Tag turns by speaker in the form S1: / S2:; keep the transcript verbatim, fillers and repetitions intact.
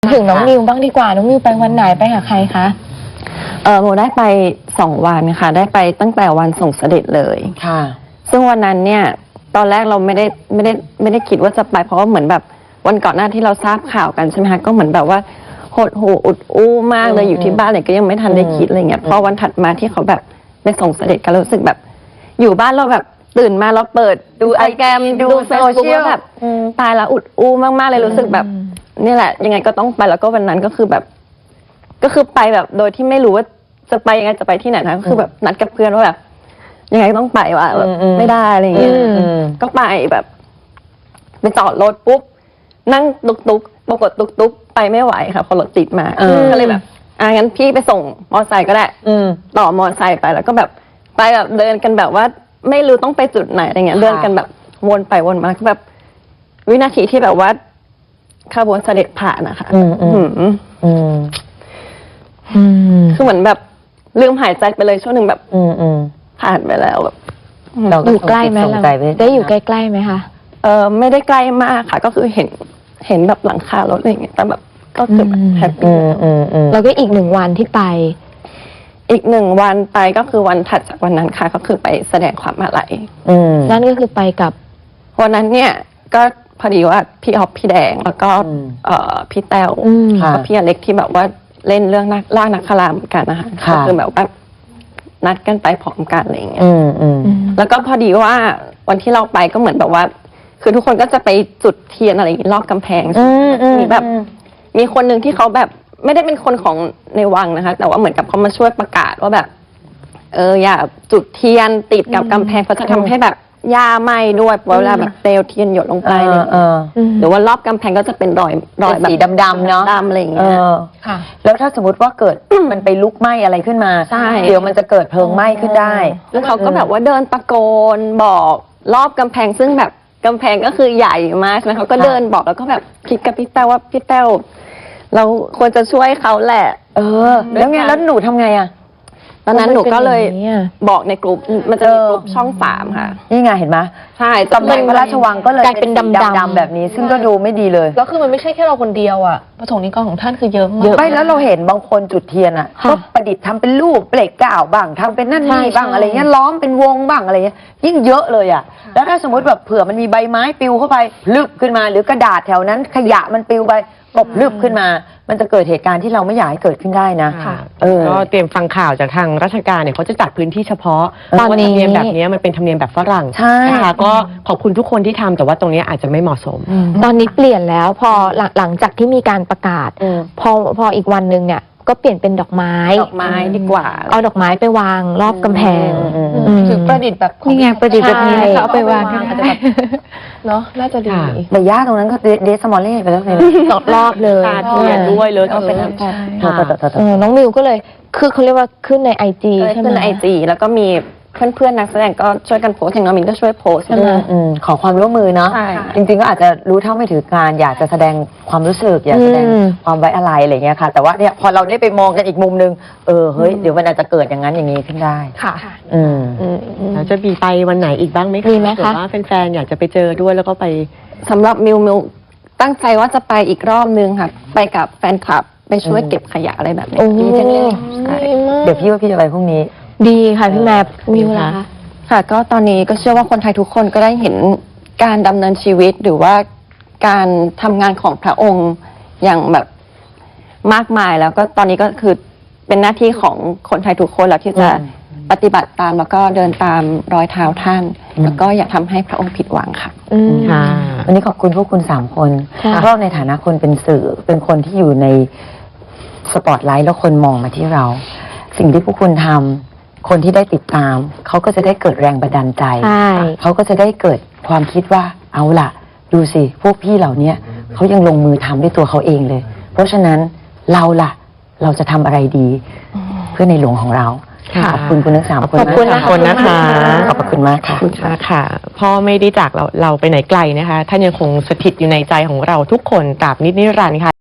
S1: ถึงน้องนิวบ้างดีกว่าน้องนิวไปวันไหนไปกับใครคะ
S2: เออโมได้ไปสองวันค่ะได้ไปตั้งแต่วันส่งเสด็จเลย
S3: ค่ะ
S2: ซึ่งวันนั้นเนี่ยตอนแรกเราไม่ได้ไม่ได้ไม่ได้คิดว่าจะไปเพราะว่าเหมือนแบบวันก่อนหน้าที่เราทราบข่าวกันใช่ไหมคะก็เหมือนแบบว่าหดหูอุดอู้มากเลยอยู่ที่บ้านเลยก็ยังไม่ทันได้คิดอะไรเงี้ยพอวันถัดมาที่เขาแบบได้ส่งเสด็จกันรู้สึกแบบอยู่บ้านเราแบบตื่นมาเราเปิดดูไอแกรมดูโซเชียลแบบตายแล้วอุดอู้มากๆเลยรู้สึกแบบนี่แหละยังไงก็ต้องไปแล้วก็วันนั้นก็คือแบบก็คือไปแบบโดยที่ไม่รู้ว่าจะไปยังไงจะไปที่ไหนนะก็คือแบบนัดกับเพื่อนว่าแบบยังไงต้องไปว่ะแบบไม่ได้อะไรอย่างเงี้ยก็ไปแบบไปจอดรถปุ๊บนั่งตุกตุกปรากฏตุกตุกไปไม่ไหวค่ะพอรถติดมาก็เลยแบบอ่ะงั้นพี่ไปส่งมอไซค์ก็ได้ต่อมอไซค์ไปแล้วก็แบบไปแบบเดินกันแบบว่าไม่รู้ต้องไปจุดไหนอะไรเงี้ยเดินกันแบบวนไปวนมาก็แบบวินาทีที่แบบว่าขบวนเสด็จผ่านนะคะคือเหมือนแบบลืมหายใจไปเลยช่วงหนึ่งแบบผ่านไปแล้วแบบ
S1: อยู่ใกล้ไหมเราได้อยู่ใกล้ๆไหมคะ
S2: เออไม่ได้ใกล้มากค่ะก็คือเห็นเห็นแบบหลังคารถอะไรอย่างเงี้ยแต่แบบก็คือแฮปปี้
S1: แล้วก็อีกหนึ่งวันที่ไป
S2: อีกหนึ่งวันไปก็คือวันถัดจากวันนั้นค่ะก็คือไปแสดงความอาลัย
S1: นั่นก็คือไปกับ
S2: วันนั้นเนี่ยก็พอดีว่าพี่ออฟพี่แดงแล้วก็เอ่อพี่แต้วแล้วก็พี่อเล็กที่แบบว่าเล่นเรื่องนักล่านักคารามเหมือนกันนะคะก็คือแบบว่านัดกันไปพร้อมกันอะไรอย่างเงี้ยแล้วก็พอดีว่าวันที่เราไปก็เหมือนแบบว่าคือทุกคนก็จะไปจุดเทียนอะไรอย่างงี้รอบกำแพงมีแบบมีคนหนึ่งที่เขาแบบไม่ได้เป็นคนของในวังนะคะแต่ว่าเหมือนกับเขามาช่วยประกาศว่าแบบเอออย่าจุดเทียนติดกับกำแพงเพราะจะทำให้แบบหญ้าไหม้ด้วยเวลาแบบเปลวเทียนหยดลงไปเลยหรือว่ารอบกำแพงก็จะเป็นรอยรอยแบบ
S3: สีดำๆเนาะ
S2: ดำอะไรอย่างเงี้ย
S3: ค่ะแล้วถ้าสมมติว่าเกิดมันไปลุกไหม้อะไรขึ้นมาเดี๋ยวมันจะเกิดเพลิงไหม้ขึ้นได้
S2: แล้วเขาก็แบบว่าเดินตะโกนบอกรอบกำแพงซึ่งแบบกำแพงก็คือใหญ่มากนะเขาก็เดินบอกแล้วก็แบบคิดกับพี่แต้วว่าพี่แต้วเราควรจะช่วยเขาแหละ
S3: เออแล้วไงแล้วหนูทำไงอ่ะ
S2: ตอนนั้นหนูก็เลยบอกในกลุ่มมันจะมีกลุ่มช่องสามค่ะ
S3: นี่ไงเห็นไหม
S2: ใช่
S3: กำแพงพระราชวังก็เลย
S1: เป็นดำๆ
S3: แบบนี้ซึ่งก็ดูไม่ดีเลย
S4: แล้วคือมันไม่ใช่แค่เราคนเดียวอ่ะประสงค์นิกรของท่านคือเยอะมาก
S3: ไม่แล้วเราเห็นบางคนจุดเทียนอ่ะก็ประดิษฐ์ทำเป็นรูปเปลกก่าวบ้างทำเป็นนั่นนี่บ้างอะไรเงี้ยล้อมเป็นวงบ้างอะไรเงี้ยยิ่งเยอะเลยอ่ะแล้วถ้าสมมติแบบเผื่อมันมีใบไม้ปลิวเข้าไปลึกขึ้นมาหรือกระดาษแถวนั้นขยะมันปลิวไปตกลึกขึ้นมามันจะเกิดเหตุการณ์ที่เราไม่อยากให้เกิดขึ้นได้นะ
S5: เออก็เตรียมฟังข่าวจากทางราชการเนี่ยเขาจะจัดพื้นที่เฉพาะตอนนี้ธรรมเนียมแบบนี้มันเป็นธรรมเนียมแบบฝรั่ง
S3: ใช่
S5: ค่ะก็ขอบคุณทุกคนที่ทำแต่ว่าตรงนี้อาจจะไม่เหมาะสม
S1: ตอนนี้เปลี่ยนแล้วพอหลังจากที่มีการประกาศพอพออีกวันหนึ่งเนี่ยก็เปลี่ยนเป็นดอกไม้
S2: ดอกไม้ดีกว่า
S1: เอาดอกไม้ไปวางรอบกำแพง
S4: คือประดิษฐ์แบบ
S1: นี่ไงประดิษฐ์แบบนี้
S4: เขาเอาไปวางอาจจะแบบเนาะน่าจะดี
S3: แต่ย่าตรงนั้นก็เดสมอลเล่ไปแล้วไง
S1: รอบเลย
S5: เทียนด้วยเลย
S2: ก็เป็น
S1: น้องมิวก็เลยคือเขาเรียกว่าขึ้นในไอจีใช่ไหม
S2: ขึ้นในไอจีแล้วก็มีเพื่อนๆนักแสดงก็ช่วยกันโพสอย่างน้องมินก็ช่วยโพสใช่ไหม
S3: ขอความร่วมมือเนาะจริงๆก็อาจจะรู้เท่าไม่ถึงการอยากจะแสดงความรู้สึกอยากแสดงความไว้อะไรอะไรเงี้ยค่ะแต่ว่าเนี่ยพอเราได้ไปมองกันอีกมุมนึงเออเฮ้ยเดี๋ยวมันอาจจะเกิดอย่างนั้นอย่างนี้ขึ้นได้
S1: ค่ะ
S3: อืม
S5: แล้วจะมีไปวันไหนอีกบ้างไหมคะ
S1: มีไหมคะ
S5: ว่าแฟนๆอยากจะไปเจอด้วยแล้วก็ไป
S2: สำหรับมิวมิวตั้งใจว่าจะไปอีกรอบนึงค่ะไปกับแฟนคลับไปช่วยเก็บขยะอะไรแบบนี้
S1: ดีจังเลย
S3: เดี๋ยวพี่ว่าพี่จะไปพรุ่งนี้
S1: ดีค่ะพี่แม่มิวล่ะ
S2: ค่ะก็ตอนนี้ก็เชื่อว่าคนไทยทุกคนก็ได้เห็นการดำเนินชีวิตหรือว่าการทำงานของพระองค์อย่างแบบมากมายแล้วก็ตอนนี้ก็คือเป็นหน้าที่ของคนไทยทุกคนแล้วที่จะปฏิบัติตามแล้วก็เดินตามรอยเท้าท่านแล้วก็อย่าทำให้พระองค์ผิดหวังค่ะ
S3: ค่ะวันนี้ขอบคุณพวกคุณสามคนเพราะในฐานะคนเป็นสื่อเป็นคนที่อยู่ในสปอตไลท์แล้วคนมองมาที่เรา สิ่งที่พวกคุณทำคนที่ได้ติดตามเขาก็จะได้เกิดแรงบันดาลใจเขาก็จะได้เกิดความคิดว่าเอาล่ะดูสิพวกพี่เหล่านี้เขายังลงมือทำด้วยตัวเขาเองเลยเพราะฉะนั้นเราล่ะเราจะทำอะไรดีเพื่อในหลวงของเราขอบคุณคุณทั้งสามคน
S1: ขอบคุณนะคะ
S3: ขอบคุณมากค่ะ
S5: ขอบคุณค่ะพ่อไม่ได้จากเราเราไปไหนไกลนะคะท่านยังคงสถิตอยู่ในใจของเราทุกคนตราบนิจนิรันดร์ค่ะ